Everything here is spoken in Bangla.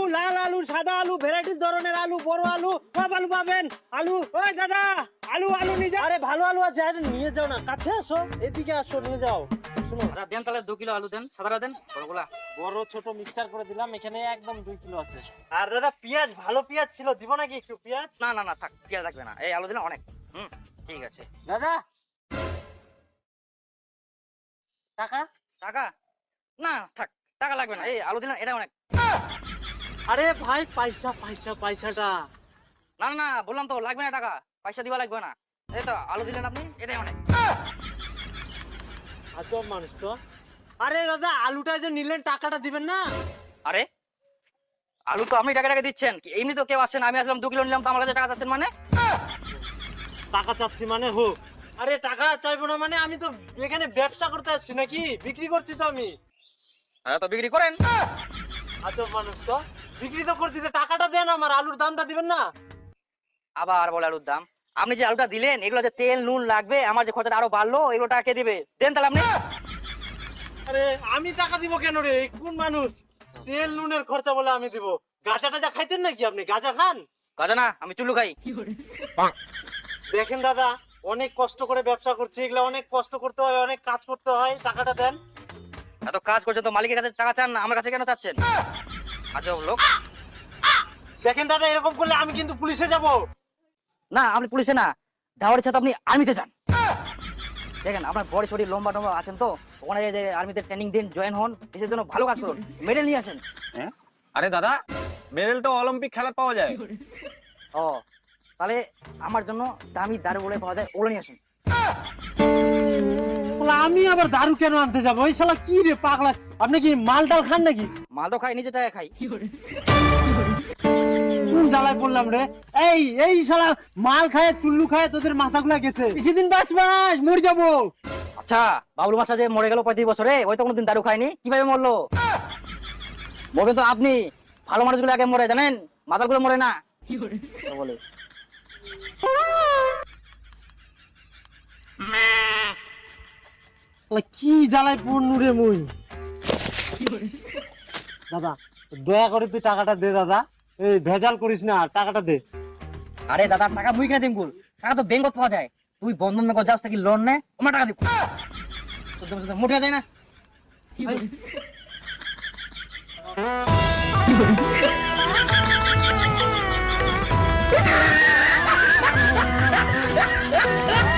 লাল আলু, সাদা আলু, ভ্যারাইটিস ধরনের আলু, বড় আলু, সব আলু পাবেন। আলু, ওই দাদা, আলু নিয়ে যাও। আরে ভালো আলু আছে, আরে নিয়ে যাও না, কাছে আসো, এদিকে আসো, নিয়ে যাও। শুনো, আচ্ছা দেন তাহলে 2 কিলো আলু দেন, সাদাটা দেন, বড়গুলা। বড় ছোট মিক্সচার করে দিলাম, এখানে একদম 2 কিলো আছে। আর দাদা পেঁয়াজ, ভালো পেঁয়াজ ছিল, দিব নাকি একটু পেঁয়াজ? না না না থাক, পেঁয়াজ লাগবে না, এই আলু দিলে অনেক। ঠিক আছে। দাদা টাকা? টাকা না থাক, টাকা লাগবে না, এই আলু দিলাম, এটা অনেক। আরে ভাই পয়সাটা। না না না বললাম তো লাগবে না টাকা, পয়সা দিবা লাগবে না। এই তো আলু দিলেন আপনি, এটাই অনেক। আজব মানুষ তো। আরে দাদা আলুটা যে নিলেন, টাকাটা দিবেন না? আরে আলু তো আপনি টাকা দিচ্ছেন, কি এমনি তো কেউ আসছেন, আমি আসলাম 2 কিলো নিলাম, তো আমার কাছে টাকা চাচ্ছেন মানে? টাকা চাচ্ছি মানে হোক। আরে টাকা চাইবো না মানে, আমি তো এখানে ব্যবসা করতে আসছি নাকি, বিক্রি করছি তো আমি। হ্যাঁ তো বিক্রি করেন। আজব মানুষ তো, বিক্রি তো করছি, তো টাকাটা দেন, আমার আলুর দামটা দিবেন না? আবার বলে আলুর দাম। আপনি যে আলুটা দিলেন, এগুলো যে তেল নুন লাগবে, আমার যে খরচাটা আরো বাড়লো, এগুলো টাকা কে দিবে? দেন তাহলে আপনি। আরে আমি টাকা দিব কেন রে, কোন মানুষ? তেল নুনের খরচা বলে আমি দিব? গাঁজা টাজা খাইছেন নাকি আপনি? গাঁজা খান? কাজা না, আমি চুল্লু খাই। দেখেন দাদা, অনেক কষ্ট করে ব্যবসা করছি, এগুলো অনেক কষ্ট করতে হয়, অনেক কাজ করতে হয়, টাকাটা দেন। এত কাজ করছেন তো মালিকের কাছে টাকা চান না, আমার কাছে কেন চাচ্ছেন? আজব লোক। দেখেন দাদা, এরকম করলে আমি কিন্তু পুলিশে যাব। না আপনি পুলিশে না, ধাওয়ারের সাথে আপনি আর্মিতে যান। দেখেন আপনার বডি শরীর লম্বা টম্বা আছেন তো, ওখানে যে আর্মিতে ট্রেনিং দিন, জয়েন হন, দেশের জন্য ভালো কাজ করুন, মেডেল নিয়ে আসেন। হ্যাঁ? আরে দাদা, মেডেল তো অলিম্পিক খেলা পাওয়া যায়। ও তাহলে আমার জন্য দামি দারু বলে পাওয়া যায়, ওগুলো নিয়ে আসেন। শালা আমি আবার দারু কেন আনতে যাবো? ওই শালা কি রে পাগলা, আপনি কি মাল টাল খান নাকি? মাল তো খাই, নিজে টাকা খাই। কোন জ্বালায় পড়লাম রে? এই শালা মাল খায়, চুল্লু খায়, তোদের মাথাগুলা গেছে। বেশি দিন বাঁচবাস, মরে যাবো। আচ্ছা বাবুল মাস্টার যে মরে গেল 35 বছরে, ওই তো কোনোদিন দারু খায়নি, কিভাবে মরলো? মরবেন তো আপনি, ভালো মানুষগুলো আগে মরে জানেন, মাতালগুলো মরে না। তো বলে শালা কি জ্বালায় পড়নু রে মুই। দাদা দয়া করে তুই টাকাটা দে দাদা, এই ভেজাল করিস না, টাকাটা দে। আরে দাদা টাকা মুই কিনে দিম গুল, টাকা তো ব্যাংকত পাওয়া যায়, তুই বন্ধন ব্যাংক যাস থেকে লোন নে, আমার টাকা দিব। তোর মোটা যায় না। Ha ha ha ha!